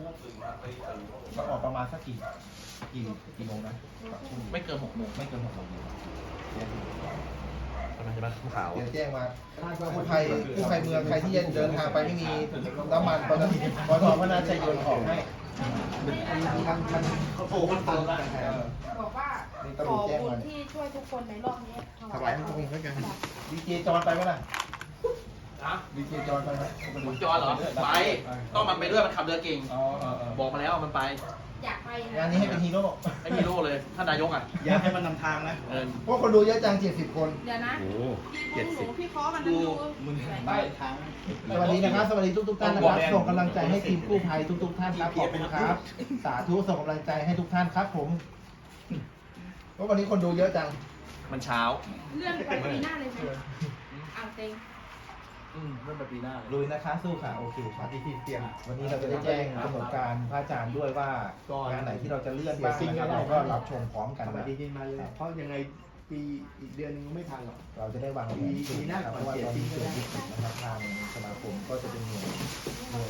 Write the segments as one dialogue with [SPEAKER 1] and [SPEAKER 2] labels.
[SPEAKER 1] เราออกประมาณสักกี่โมงนะ
[SPEAKER 2] ไม่เกิน6 โมง
[SPEAKER 1] ไม่เกิน6 โมง
[SPEAKER 2] ใช่ไหมผู้ขาว
[SPEAKER 1] เดี๋ยวแจ้งมาผู้ภัยเมืองใครที่จะเดินทางไปไม่มีน้ำมันปตทพนาชัยยนต์ออกให้มันโอ้มันเติมแล้ว
[SPEAKER 3] บอกว่าขอบุญที่ช่วยทุกคนในรอบนี้
[SPEAKER 1] ถวายพระองค์ด้วยกันดีเจจอนไปไหมล่ะ
[SPEAKER 2] ฮะ
[SPEAKER 1] ดีเจจอนไปไหม
[SPEAKER 2] ผมจอนเหรอ ไป ต้องมันไปด้วย มันขับเรือเก่ง
[SPEAKER 1] อ๋อ
[SPEAKER 2] บอกมาแล้วมันไป
[SPEAKER 3] อยากไป
[SPEAKER 1] งานนี้ให้เป็นฮีโร่
[SPEAKER 2] ให้มีโล่เลย ท่านนายกอ่ะ
[SPEAKER 4] อยากให้มันนำทางนะ
[SPEAKER 1] พวกคนดูเยอะจัง70 คน
[SPEAKER 3] เดี๋ยวนะ
[SPEAKER 4] โอ้
[SPEAKER 3] พี่พงหนูพี่คอมันดู
[SPEAKER 4] มึง
[SPEAKER 1] ไปสวัสดีนะครับ สวัสดีทุกท่านนะครับส่งกำลังใจให้ทีมกู้ภัยทุกท่านครับขอบคุณครับ สาธุส่งกำลังใจให้ทุกท่านครับผมเพราะวันนี้คนดูเยอะจัง
[SPEAKER 2] มันเช้า
[SPEAKER 3] เลื่อนไปปีหน้าเลยไหมอ่างเต็ง
[SPEAKER 2] เริ่มไปปีหน้า
[SPEAKER 1] ลุยนะคะสู้ค่ะโอเคครับที่เตรียมวันนี้เราจะได้แจ้งกำหนดการพระอาจารย์ด้วยว่างานไหนที่เราจะเลื่อนบ้างนะครับเราก็รับชมพร้อมกัน
[SPEAKER 4] สวัส
[SPEAKER 1] นะ
[SPEAKER 4] ดีปีใหม่เลยเพราะยังไงปีอีกเดือนนึงไม่ทันหรอก
[SPEAKER 1] เราจะได้วางแผน
[SPEAKER 4] ปีหน้า
[SPEAKER 1] เพราะว่าตอนนี้เศรษฐกิจนะครับทางสมาคมก็จะเป็นหน่วย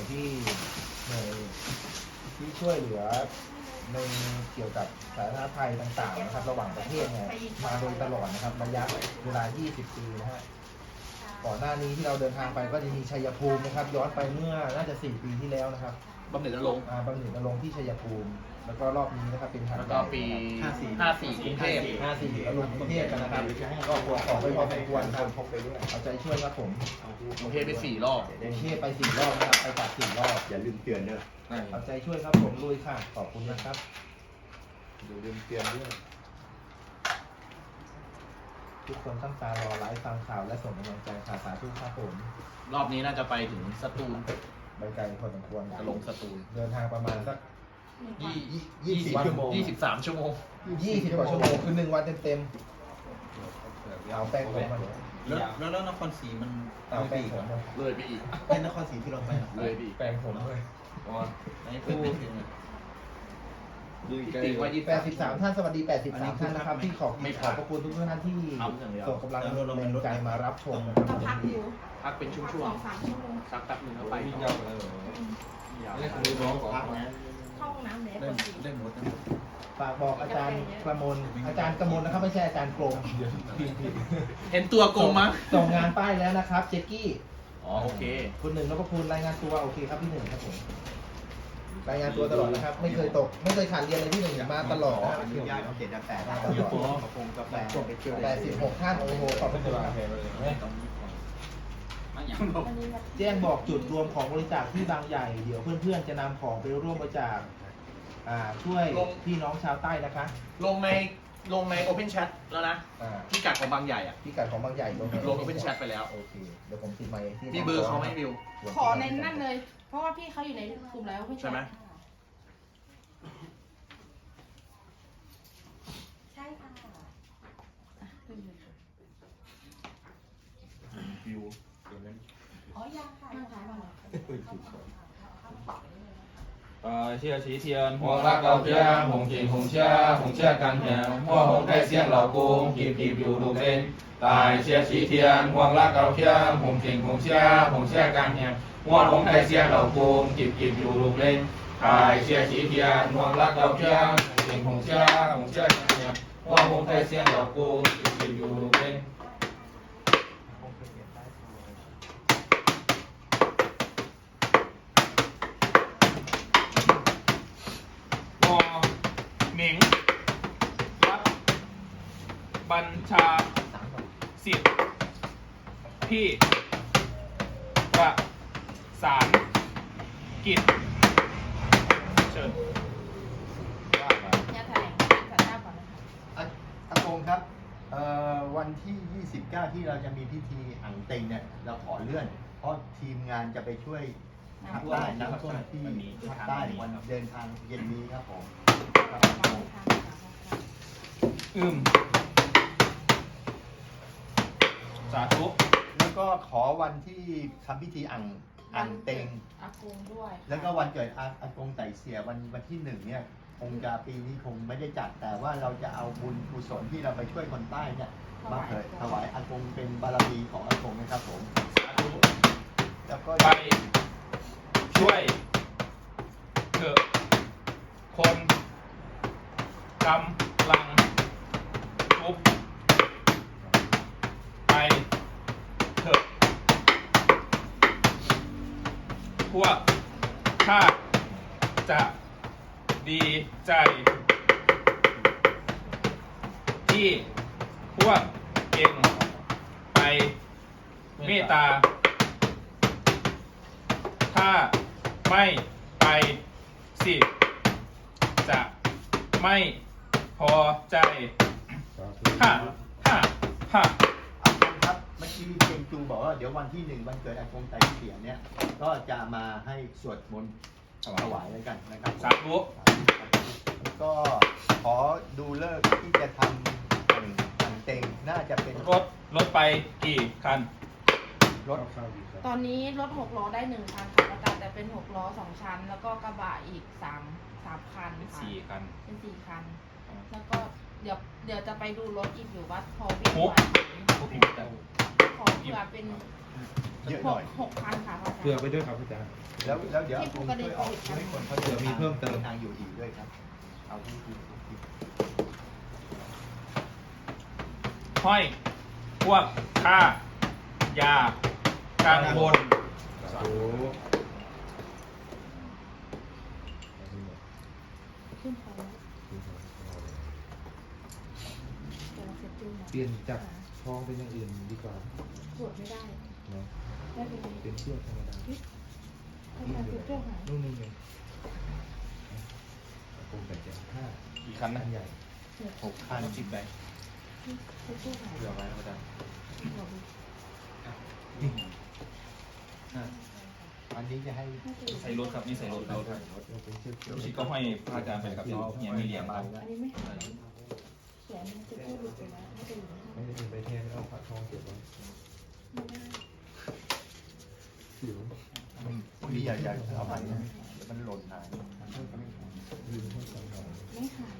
[SPEAKER 1] ที่ช่วยเหลือในเกี่ยวกับสาธารณภัยต่างๆนะครับระหว่างประเทศเนี่ยมาโดยตลอดนะครับระยะเวลา 20 ปีนะฮะก่อนหน้านี้ที่เราเดินทางไปก็จะมีชัยภูมินะครับย้อนไปเมื่อน่าจะ4 ปีที่แล้วนะครับ
[SPEAKER 2] บำเหน็จนรงค์
[SPEAKER 1] บำเหน็จนรงค์ที่ชัยภูมิ แล้วก็รอบนี้นะครับเป็นถัด
[SPEAKER 2] แล้วก็ปี 54 กรุงเทพ
[SPEAKER 1] 54ลงกรุงเทพกันนะครับก็ควรออกไปพอสมควรครับพกไปด้วยเอาใจช่วยครับผม
[SPEAKER 2] กรุงเทพไป4 รอบ
[SPEAKER 1] กรุงเทพไป4 รอบนะครับไปจาก4 รอบ
[SPEAKER 4] อย่าลืมเตือนเนอะ
[SPEAKER 1] เอาใจช่วยครับผมลุยค่ะขอบคุณนะครับ
[SPEAKER 4] อย่าลืมเตือนด้วย
[SPEAKER 1] ทุกคนตั้งตารอไลฟ์ฟังข่าวและส่งกำลังใจข่าวสาธุครับผม
[SPEAKER 2] รอบนี้น่าจะไปถึงสตูล
[SPEAKER 1] ไปไกลพอสมควร
[SPEAKER 2] จะลงสตูล
[SPEAKER 1] เดินทางประมาณสัก
[SPEAKER 2] 20 ชั่วโมง 23 ชั่วโมง
[SPEAKER 1] 20 กว่าชั่วโมงคือ1 วันเต็มๆเอาแป้งผมมาเลย
[SPEAKER 4] แล้วนครศรีมัน
[SPEAKER 1] เอาแป้งผมมา
[SPEAKER 2] เลยไปอีก
[SPEAKER 4] เป็นนครศรีที่เราไป
[SPEAKER 2] เลยไปอีก
[SPEAKER 1] แป้งผมด้วย
[SPEAKER 4] ในพูดถึง
[SPEAKER 2] ติดไว้
[SPEAKER 1] 83 ท่านสวัสดี 83 ท่านนะครับที่ขอบพระคุณทุกท่านที่ส่งกำลังใจมารับชมนะครับ
[SPEAKER 3] เราพักอยู่
[SPEAKER 2] พักเป็นช่วง
[SPEAKER 3] 2-3 ชั่วโมง
[SPEAKER 2] ๆสักแป๊บหนึงแล้วไปต่อ
[SPEAKER 4] พักนะ
[SPEAKER 3] เข้าห้องน้ำแล้วคนจริง
[SPEAKER 4] ได้หมด
[SPEAKER 1] ฝากบอกอาจารย์กระมลนะครับไม่ใช่อาจารย์กรม
[SPEAKER 2] เห็นตัวโกงมั้ย
[SPEAKER 1] ส่งงานป้ายแล้วนะครับเจกกี้
[SPEAKER 2] อ๋อโอเค
[SPEAKER 1] คุณหนึ่งแล้วก็คุณรายงานตัวโอเคครับพี่หนึ่งครับผมรายงานตัวตลอดนะครับไม่เคยตกไม่เคยขาดเรียนเลยพี่หนึ่งมาตลอดนะ
[SPEAKER 4] อนุญาตเอา7-8
[SPEAKER 1] มาต
[SPEAKER 4] ต
[SPEAKER 1] ลอด
[SPEAKER 4] คงกาแฟ
[SPEAKER 1] 86 ท่านโอ้โหขอบคุณครับ
[SPEAKER 3] วันนี้แบบ
[SPEAKER 1] แจ้งบอกจุดรวมของบริจาคที่บางใหญ่เดี๋ยวเพื่อนๆจะนำของไปร่วมบริจาคช่วยพี่น้องชาวใต้นะคะ
[SPEAKER 2] ลงใน Open Chat แล้วนะ พิกัดของบางใหญ่อ่ะ
[SPEAKER 1] พิกัดของบางใหญ่ลง
[SPEAKER 2] Open Chat ไปแล้ว
[SPEAKER 1] โอเคเดี๋ยวผมติดไมค์ที่
[SPEAKER 2] มีเบอร์เขาไหมวิว
[SPEAKER 3] ขอในนั่นเลย เพราะว่าพี่เขาอยู่ในกลุ่มแล้วไม่
[SPEAKER 2] ใช่ไหม
[SPEAKER 3] ใช่ค่ะ
[SPEAKER 4] วิว
[SPEAKER 3] อ๋อยังค่ะยังค่ะ
[SPEAKER 5] 谢齐天，我拉高天，红金红车，红车干天，我红开线老公，皮皮有路人。大谢齐天，我拉高天，红金红车，红车干天，我红开线老公，皮皮有路人。大谢齐天，我拉高天，红金红车，红车干天，我红开线老公，皮皮有路人。我หมิงรับบัญชาสิทธิ์พี่ประสานกิจเชิญว่ามา
[SPEAKER 3] อย่าแถลงสัญญาก่อนนะคะ
[SPEAKER 4] อากงครับวันที่ 29 ที่เราจะมีพิธีอ่างเต็งเนี่ยเราขอเลื่อน เพราะทีมงานจะไปช่วยภาคใต้นะครับที่ภาคใต้วันเดินทางเย็นนี้ครับผมครับผม
[SPEAKER 5] สาธุ
[SPEAKER 4] แล้วก็ขอวันที่ทำพิธีอ่างเต็ง
[SPEAKER 3] อากงด้วย
[SPEAKER 4] แล้วก็วันเกิดอากงไต่เสียวันที่1เนี่ยคงจะปีนี้คงไม่ได้จัด แต่ว่าเราจะเอาบุญกุศลที่เราไปช่วยคนใต้เนี่ยมาเผยถวายอากงเป็นบารมีของอากงนะครับผม
[SPEAKER 5] สาธุ
[SPEAKER 4] แล้วก็
[SPEAKER 5] ไปช่วยเถอะกำลังทุบไปเถอะพวกข้าจะดีใจที่พวกเองไปเมตตาถ้าไม่ไปสิจะไม่พอใจฮ่าฮ่าฮ่า
[SPEAKER 4] อากงครับเมื่อกี้เจงจูบอกว่าเดี๋ยววันที่1วันเกิดอากงไตเสียเนี่ยก็จะมาให้สวดมนต์ถวายแล้วกันนะครับ
[SPEAKER 5] สาธุ
[SPEAKER 4] ก็ขอดูเลิกษ์ที่จะทำอังเต็งน่าจะเป็น
[SPEAKER 5] รถไปกี่คัน
[SPEAKER 4] รถ
[SPEAKER 3] ตอนนี้รถ6 ล้อได้1 คันค่ะอาจารย์แต่เป็น6 ล้อ 2 ชั้น แล้วก็กระบะอีก3 คันค่ะ
[SPEAKER 5] 4 คัน
[SPEAKER 3] เป็น4 คัน แล้วก็เดี๋ยวจะไปดูรถอีกอยู่ว่าพอวิ่ง
[SPEAKER 5] โอ้
[SPEAKER 3] ไหว
[SPEAKER 5] พวกพี่แต่
[SPEAKER 3] ขอเผื่อเป็น
[SPEAKER 4] เยอะหน่อย
[SPEAKER 3] 6 คันค่ะพระอาจารย์
[SPEAKER 6] เผื่อไปด้วยครับอาจารย์
[SPEAKER 4] แล้วเดี๋ยวอากงช่วยออกให้คนเขา
[SPEAKER 6] เผื่อมีเพิ่มเติม
[SPEAKER 4] ทางอยู่อีกด้วยครับ เอาที่
[SPEAKER 5] ห้อยพวกข้าอย่ากังวล
[SPEAKER 6] สาธุ
[SPEAKER 3] ขึ้นไปแล้วเดี๋ยวเราเสร็จจุ้งนะ
[SPEAKER 6] เปลี่ยนจากทองเป็นอย่างอื่นดีกว่า
[SPEAKER 3] ตรวจไม่ได้
[SPEAKER 6] เนาะ
[SPEAKER 3] ได้เป็น
[SPEAKER 6] เป็นเชือกธรรมดา
[SPEAKER 3] ถ้าการตรวจเจ้าหาย
[SPEAKER 6] นู่นนี่ไงโกงแต่แจกผ้า
[SPEAKER 5] กี่คันนะ
[SPEAKER 6] อันใหญ่
[SPEAKER 4] 6 คัน
[SPEAKER 5] 10 ใบ
[SPEAKER 3] เจ้าหาย
[SPEAKER 5] เผื่อไว้นะอาจารย์
[SPEAKER 4] อันนี้จะให้
[SPEAKER 5] ใส่รถครับนี่ใส่รถรถครับ
[SPEAKER 6] เราเป็นเชือก
[SPEAKER 5] ลูกศิษย์ก็ห้อยพระอาจารย์ไปกับเขาเนี่ยมีเหรียญครับ
[SPEAKER 3] อันนี้ไม่หายแขนมันจะพูดหลุดไปแล้วไม่เป็นไร
[SPEAKER 6] ไม่ได้เป็นใบแทนเอาผ้าทองเก็บไว้
[SPEAKER 3] ไม่ได้
[SPEAKER 6] สิว
[SPEAKER 4] พวกนี้อย่าเอาไปนะเดี๋ยวมันหล่นหาย
[SPEAKER 6] ยืนให้สองดอก
[SPEAKER 3] ไม่หาย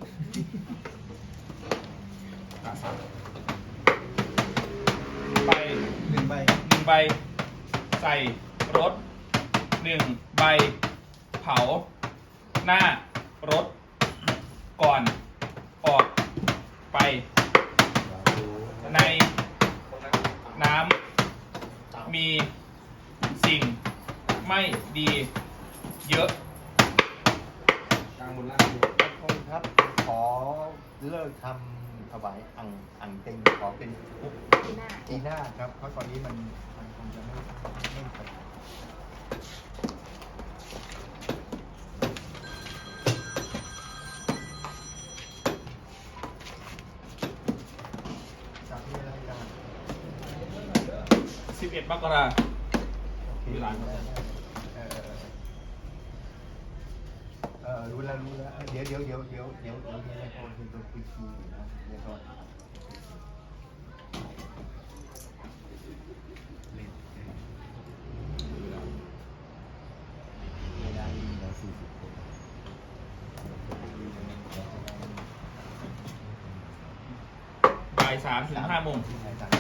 [SPEAKER 5] ไป
[SPEAKER 4] 1 ใบ
[SPEAKER 5] 1 ใบ ใส่รถ 1 ใบ เผา หน้ารถ ก่อนออกไป
[SPEAKER 6] สาธุ
[SPEAKER 5] ในน้ำมีสิ่งไม่ดีเยอะ
[SPEAKER 6] กลางบนล่างดู
[SPEAKER 4] ขอบคุณครับ ขอเลิกทำถวายอังเต็งขอเป็นปุ๊บ
[SPEAKER 3] ที่หน้า
[SPEAKER 4] จีน่าครับ เพราะตอนนี้มันคงจะไม่ไปจากนี้อะไรกัน
[SPEAKER 5] 11 มกราคม เวลาครับ
[SPEAKER 4] รู้แล้ว เดี๋ยวเนี่ยนะคนคือตัวคุยคีอยู่นะเดี๋ยวก่อนเวลาดีนะ40 คน
[SPEAKER 5] บ่าย3 ถึง 5 โมง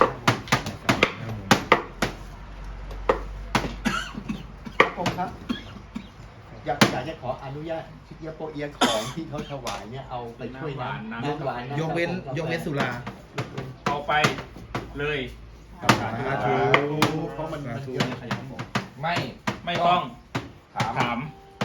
[SPEAKER 4] ผมครับ อยากจะขออนุญาตชิเอียโปเอียของที่เขาถวายเนี่ยเอาไปช่วยน้ำหวาน
[SPEAKER 6] ยกเว้นสุรา
[SPEAKER 5] เอาไปเลย
[SPEAKER 6] สาธุ
[SPEAKER 4] เพราะมันเยอะ
[SPEAKER 5] ไม่ต้องถาม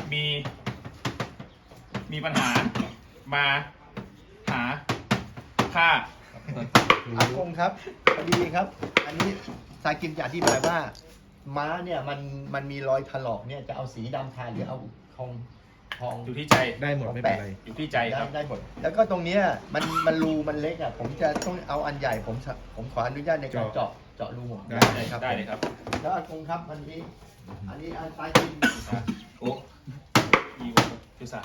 [SPEAKER 5] มีปัญหามาหาข้า
[SPEAKER 4] อากงครับพอดีครับ อันนี้สายกิมจะอธิบายว่า ม้าเนี่ยมันมีรอยถลอกเนี่ยจะเอาสีดำทาหรือเอาทอง
[SPEAKER 5] อยู่ที่ใจ
[SPEAKER 6] ได้หมดไม่เป็นไร
[SPEAKER 5] อยู่ที่ใจครับ
[SPEAKER 4] ได้หมดแล้วก็ตรงเนี้ยมันรูมันเล็กอ่ะผมจะต้องเอาอันใหญ่ผมขออนุญาตในการเจาะรูผม
[SPEAKER 6] ได้
[SPEAKER 4] เลยครับ
[SPEAKER 5] ได้เลยครับ
[SPEAKER 4] แล้วอากงครับวันนี้ อันนี้อันสายกิม
[SPEAKER 5] โอ้อีโอคือสา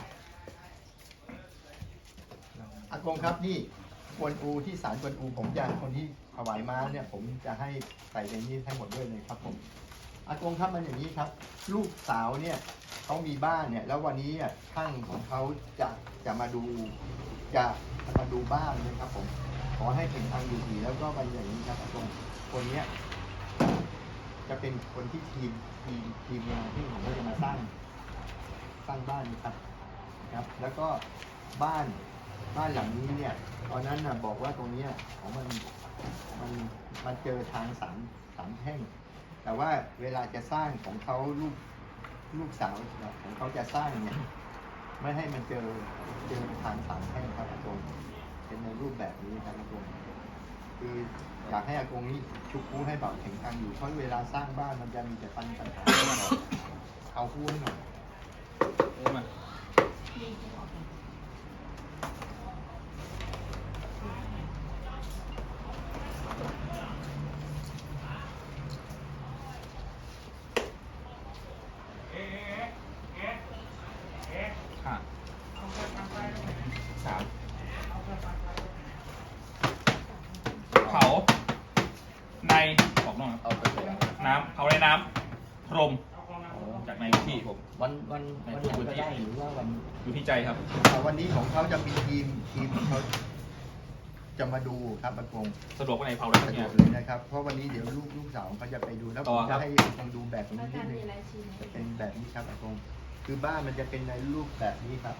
[SPEAKER 4] อากงครับนี่กวนอูที่ศาลกวนอูผมจะคนที่ถวายม้าเนี่ยผมจะให้ใส่ในนี้ให้หมดด้วยเลยครับผมอากงครับมันอย่างนี้ครับ ลูกสาวเนี่ยเขามีบ้านเนี่ยแล้ววันนี้ช่างของเขาจะมาดูบ้านนะครับผมขอให้เป็นทางอยู่ดีแล้วก็วันอย่างนี้ครับอากงคนเนี้ยจะเป็นคนที่ทีมงานที่ผมก็จะมาสร้างบ้านนะครับ แล้วก็บ้านบ้านหลังนี้เนี่ยตอนนั้นน่ะบอกว่าตรงเนี้ยของมันเจอทางสามแท่งแต่ว่าเวลาจะสร้างของเขาลูกสาวของเขาจะสร้างเนี่ยไม่ให้มันเจอทางสามแท่งครับอากงเป็นในรูปแบบนี้ครับอากงคืออยากให้อากงนี่ชุบคู่ให้เบาแข็งกันอยู่เพราะเวลาสร้างบ้านมันจะมีแต่ปัญหาเอาคู่ให้หน่อย
[SPEAKER 5] มาห้าสามเผาในออกนอกครับ
[SPEAKER 4] เอาไปเลย
[SPEAKER 5] น้ำเผาในน้ำพรมจากในที่ผม
[SPEAKER 4] วันไหนก็ได้หรือว่าวัน
[SPEAKER 5] อยู่ที่ใจครับ
[SPEAKER 4] วันนี้ของเขาจะมีทีมเขาจะมาดูครับอากง
[SPEAKER 5] สะดวกวันไหนเผาได้ทั้
[SPEAKER 4] สะ
[SPEAKER 5] ง
[SPEAKER 4] ด
[SPEAKER 5] เนี่
[SPEAKER 4] วย กเลยนะครับ เพราะวันนี้เดี๋ยวลูกสาวเขาจะไปดูแล้ว
[SPEAKER 5] ต่
[SPEAKER 4] ผ
[SPEAKER 5] อ
[SPEAKER 4] ม
[SPEAKER 5] ครั
[SPEAKER 4] จะ
[SPEAKER 5] บ
[SPEAKER 4] ให้อากงดูแบบนี้
[SPEAKER 3] แล้ว
[SPEAKER 4] นิ
[SPEAKER 3] กา
[SPEAKER 4] ด
[SPEAKER 3] ร
[SPEAKER 4] นึง
[SPEAKER 3] มีอะไรชี้ไหม
[SPEAKER 4] จะเป็นแบบนี้ครับอากงคือบ้านมันจะเป็นในรูปแบบนี้ครับ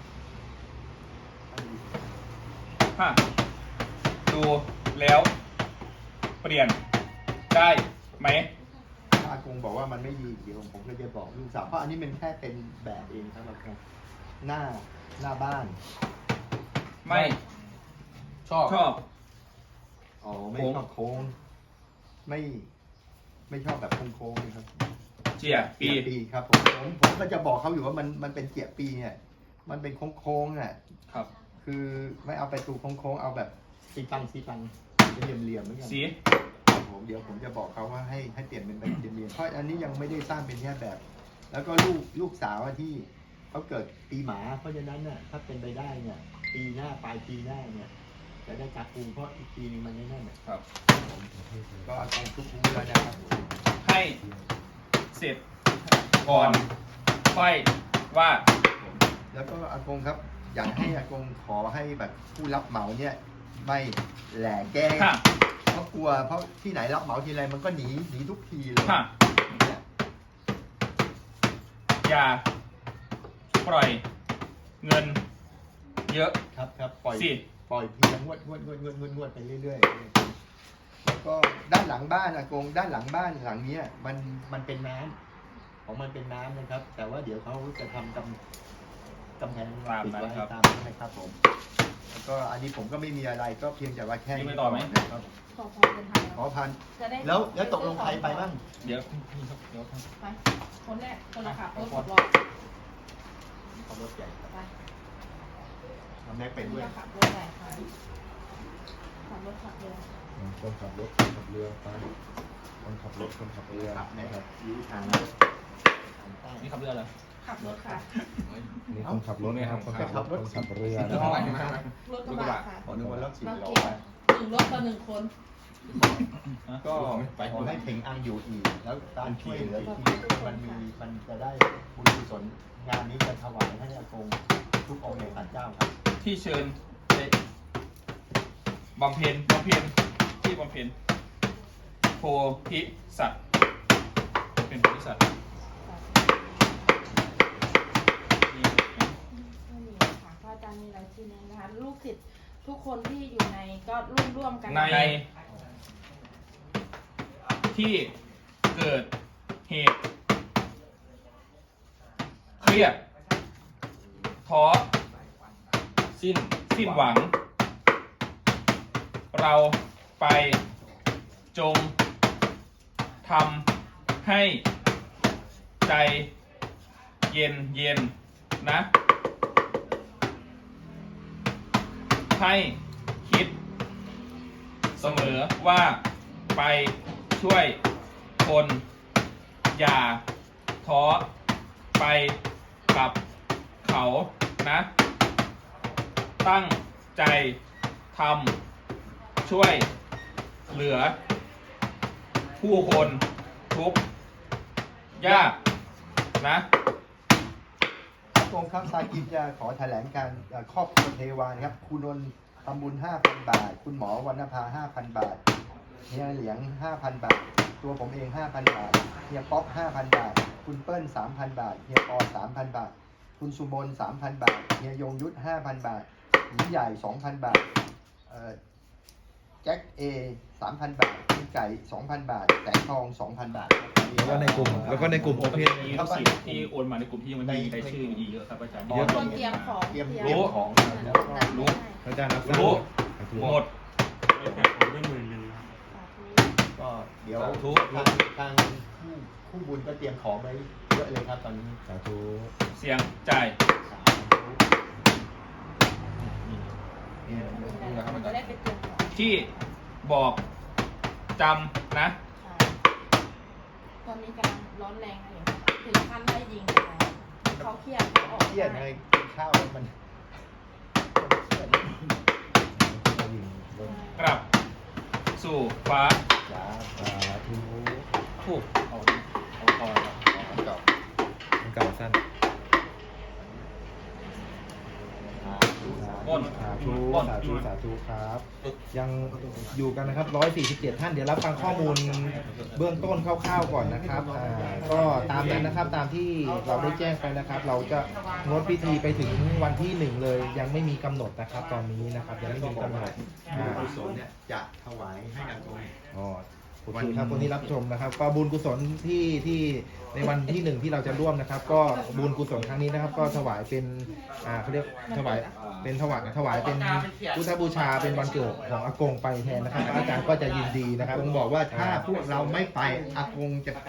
[SPEAKER 5] ห้าดูแล้วเปลี่ยนได้ไหม
[SPEAKER 4] ถ้าอากงบอกว่ามันไม่ดีเดี๋ยวผมก็จะบอกลูกสาวเพราะอันนี้มันแค่เป็นแบบเองครับอากงหน้าบ้าน
[SPEAKER 5] ไม่
[SPEAKER 2] ชอบ
[SPEAKER 5] ชอบ
[SPEAKER 4] อ๋อไม่ชอบโค้งไม่ชอบแบบโค้งๆนะครับ
[SPEAKER 5] เจียปี
[SPEAKER 4] ปีครับผมก็จะบอกเขาอยู่ว่ามันเป็นเจียปีเนี่ยมันเป็นโค้งๆอ่ะ
[SPEAKER 5] ครับ
[SPEAKER 4] คือไม่เอาไปตูโค้งๆเอาแบบซีตังเป็นเหลี่ยมๆเหมือนกัน
[SPEAKER 5] สี
[SPEAKER 4] เดี๋ยวผมจะบอกเขาว่าให้เปลี่ยนเป็นแบบเหลี่ยมๆเพราะอันนี้ยังไม่ได้สร้างเป็นแค่แบบ แล้วก็ลูกสาวที่เขาเกิดปีหมาเพราะฉะนั้นน่ะถ้าเป็นไปได้เนี่ยปีหน้าปลายปีหน้าเนี่ยจะได้จัดปูเพราะอีกปีนึงมันไม่แน่นน่ะ
[SPEAKER 5] ครับ
[SPEAKER 4] ก็เอาตรงทุกปูแล้วนะครับ
[SPEAKER 5] ให้เสร็จก่อนค่อยว่า
[SPEAKER 4] แล้วก็อากงครับอยากให้อากงขอให้แบบผู้รับเหมาเนี่ยไม่แหล่แกล้ง
[SPEAKER 5] ค่ะ
[SPEAKER 4] เพราะกลัวเพราะที่ไหนรับเหมาทีไรมันก็หนีทุกทีเลย
[SPEAKER 5] ค่ะ
[SPEAKER 4] เนี่ย
[SPEAKER 5] อย่าปล่อยเงินเยอะ
[SPEAKER 4] ครับปล่อย
[SPEAKER 5] สิ
[SPEAKER 4] ทีละงวดไปเรื่อยๆแล้วก็ด้านหลังบ้านอากงด้านหลังบ้านหลังเนี้ยมันเป็นน้ำของมันเป็นน้ำนะครับ แต่ว่าเดี๋ยวเขาจะทำกำแพงปิดไว้ตามนั้นนะครับผมแล้วก็อันนี้ผมก็ไม่มีอะไรก็เพียงแต่ว่าแค่
[SPEAKER 5] มีไปต่อไหม
[SPEAKER 4] นะครับ
[SPEAKER 3] ขอพอเป็นไทย
[SPEAKER 4] ขอพัน
[SPEAKER 3] จะได้
[SPEAKER 4] แล้วตกลงใครไปบ้าง
[SPEAKER 5] เดี๋ยวนี่ครับเดี๋ยวครับ
[SPEAKER 3] ไปคนแรกคนละขับรถหกล้อ
[SPEAKER 4] ขับรถใหญ่
[SPEAKER 3] ไป
[SPEAKER 4] ทำแม็กเป็นด้วย
[SPEAKER 3] จะขับรถไหนคะขับรถขับเรือ
[SPEAKER 6] คนขับรถคนขับเรือไปคนขับรถคนขับเรือ
[SPEAKER 4] ขับนะครับยูทางใต้
[SPEAKER 5] นี่ขับเรือเหรอ
[SPEAKER 3] ขับรถค่ะ
[SPEAKER 6] นี่คนขับรถนะครับคนขับรถคนขับเรือ
[SPEAKER 5] เท่าไหร่มาก
[SPEAKER 3] รถกระบะค่ะ
[SPEAKER 4] ขอนึกว่ารถสิบ
[SPEAKER 3] เรา
[SPEAKER 4] ล้อ
[SPEAKER 3] เก่งหนึ่งรถต่อหนึ่งคน
[SPEAKER 4] ก็ขอให้เพ่งอังอยู่อีก แล้วการช่วยเหลือที่มันจะได้บุญกุศลงานนี้จะถวายให้อากงทุกองค์ในศาลเจ้าครับ
[SPEAKER 5] ที่เชิญไปบำเพ็ญที่บำเพ็ญโพธิสัตว์เป็นโพธิสัตว์นี่
[SPEAKER 3] ไม่มีค่ะพระอาจารย์มีรายชื่อนี้นะคะ ลูกศิษย์ทุกคนที่อยู่ในก็ร่วมกัน
[SPEAKER 5] ในที่เกิดเหตุเครียดท้อสิ้นหวัง เราไปจงทำให้ใจเย็นนะ ให้คิดเสมอว่าไปช่วยคนอย่าท้อไปกับเขานะ ตั้งใจทำช่วยเหลือ ผู้คนทุกข์ยากนะ
[SPEAKER 4] อากงครับซากิจะขอแถลงการครอบครัวเทวานะครับคุณนนท์ทำบุญ 5,000 บาท คุณหมอวรรณภา 5,000 บาทเฮียเหลียง 5,000 บาท ตัวผมเอง 5,000 บาทเฮียป๊อป 5,000 บาท คุณเปิ้ล 3,000 บาทเฮียปอ 3,000 บาท คุณสุมน 3,000 บาทเฮียยงยุทธ 5,000 บาทหญิงใหญ่ 2,000 บาทแจ็คเอ 3,000 บาทคุณไก่ 2,000 บาทแสงทอง 2,000 บาทครับ
[SPEAKER 6] แล้วก็ในกลุ่มโอเพน
[SPEAKER 5] มีลูกศิษย์ที่โอนมาในกลุ่มที่ยังไม่มีรายชื่ออีกเยอะครับอาจารย์
[SPEAKER 3] เตรียมของ
[SPEAKER 4] เตรียมของ
[SPEAKER 5] รู้
[SPEAKER 6] อาจารย์รับ
[SPEAKER 5] รู้หมด
[SPEAKER 4] ก็เดี๋ยว
[SPEAKER 5] สาธุ
[SPEAKER 4] ทางคู่บุญก็เตรียมของไว้เยอะเลยครับตอนนี้
[SPEAKER 6] สาธุ
[SPEAKER 5] เสียงจ่าย
[SPEAKER 3] จะได้ไปเตรียมของ
[SPEAKER 5] ที่บอกจำนะ
[SPEAKER 3] ตอนนี้กำลังร้อนแรงเลยถึงขั้นไล่ยิงกันแล้วเขาเครียดเขาออก
[SPEAKER 4] เครียดไงกินข้าวแล้วมันเครียด
[SPEAKER 5] กลับ สู่ฟ้า
[SPEAKER 4] จ้า
[SPEAKER 6] สาธุ
[SPEAKER 5] ถูกเอาพอแล้ว
[SPEAKER 4] จบ
[SPEAKER 6] มันเก่าสั้น
[SPEAKER 5] ม่น
[SPEAKER 6] สาธุสาธุครับ ยังอยู่กันนะครับ147ท่านเดี๋ยวรับฟังข้อมูลเบื้องต้นคร่าวๆก่อนนะครับก็ตามนั้นนะครับตามที่เราได้แจ้งไปนะครับ เราจะงดพิธีไปถึงวันที่1เลยยังไม่มีกำหนดนะครับ ตอนนี้นะครับยังไม่มีกำหนด
[SPEAKER 4] กุศลเนี่ยจะถวายให้นางตรง
[SPEAKER 6] อ๋อโอเคครับคนที่รับชมนะครับ ก็บุญกุศลที่ในวันที่1ที่เราจะร่วมนะครับ ก็บุญกุศลครั้งนี้นะครับ ก็ถวายเป็นเขาเรียกถวายเป็นถวายเป็นพุทธบูชาเป็นวันเกิดของอากงไปแทนนะครับอาจารย์ก็จะยินดีนะครับ
[SPEAKER 4] อากงบอกว่าถ้าพวกเราไม่ไปอากงจะ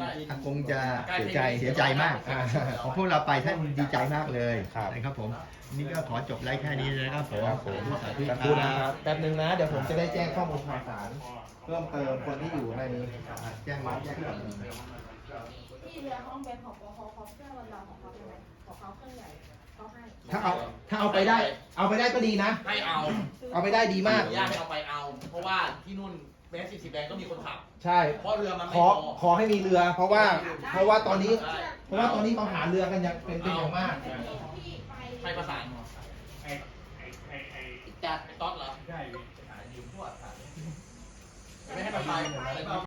[SPEAKER 4] เสียใจมากของพวกเราไปท่านดีใจมากเลย
[SPEAKER 6] ครับ
[SPEAKER 4] นะครับผมนี่ก็ขอจบไลฟ์แค่นี้นะครับผม
[SPEAKER 6] ครับผม
[SPEAKER 4] สาธุ
[SPEAKER 6] ขอบคุณนะครับแป๊บนึงนะเดี๋ยวผมจะได้แจ้งข้อมูลข่าวสารเพิ่มเติมคนที่อยู่ใน
[SPEAKER 4] แจ้งมาแจ้งมา
[SPEAKER 3] ที่เรือห้องเบนของปอเขาเครื่องวันเราของเขาเป็นไงของเขาเครื่องใหญ่เขาให้
[SPEAKER 6] ถ้าเอาไปได้ก็ดีนะ
[SPEAKER 2] ให้เอา
[SPEAKER 6] เอาไปได้ดีมาก
[SPEAKER 2] ญาติให้เอาไปเอา เพราะว่าที่นู่นเบส40แบงก็มีคนขับ
[SPEAKER 6] ใช่
[SPEAKER 2] เพราะเรือมันไม่
[SPEAKER 6] ขอ
[SPEAKER 2] พอ
[SPEAKER 6] ขอให้มีเรือ เพราะว่าตอนนี้เขาหาเรือกันอย่างเป็นอย่างมาก
[SPEAKER 2] ใครประสานจัดต๊อดเหรอ ใช่ ยืมพวกไม่ให้มันไป